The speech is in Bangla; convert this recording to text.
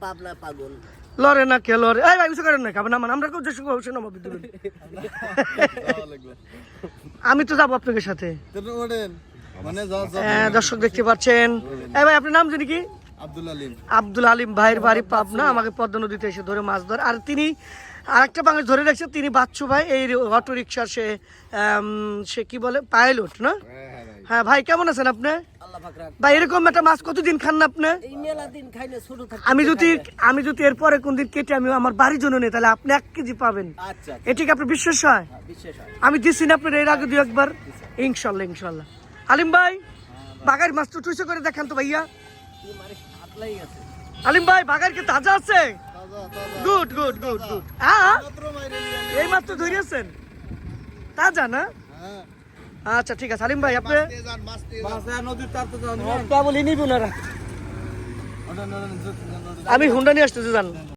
পাবনা পাগল লরে না কে লরে এই ভাই কিছু করেন না খাবেন না আমরা কেউ যে সঙ্গে অবশ্যই নামাবি দিবেন আমি তো যাবো আপনাদের সাথে হ্যাঁ দর্শক দেখতে পাচ্ছেন এই ভাই আপনার নাম জানি কি আব্দুল আলিম ভাইয়ের বাড়ি পাবনা আমাকে পদ্মা নদীতে এসে ধরে মাছ ধরে আর তিনি আরেকটা বাঙালি ধরে রাখছে তিনি বাচ্চু ভাই এই অটো রিক্সা সে কি বলে পাইলট না হ্যাঁ ভাই কেমন আছেন আপনি ভাই এরকম একটা মাছ কতদিন খান না আপনি আমি যদি এরপরে কোনদিন কেটে আমি আমার বাড়ির জন্য নেই তাহলে আপনি 1 কেজি পাবেন এটি কি আপনার বিশ্বাস হয় আমি দিচ্ছি না আপনার এর আগে 2 একবার ইনশাল্লাহ ইনশাল্লাহ আলিম ভাই বাগার মাছ তো টুইসে করে দেখান তো ভাইয়া আলিম ভাই বাগার কি তাজা আছে গুড গুড গুড গুড হ্যাঁ এই মাছ তো ধরিয়েছেন তাজা না আচ্ছা ঠিক আছে আলিম ভাই আপনি বলি নিবি না আমি হুন্ডা নিয়ে আসতেছি জান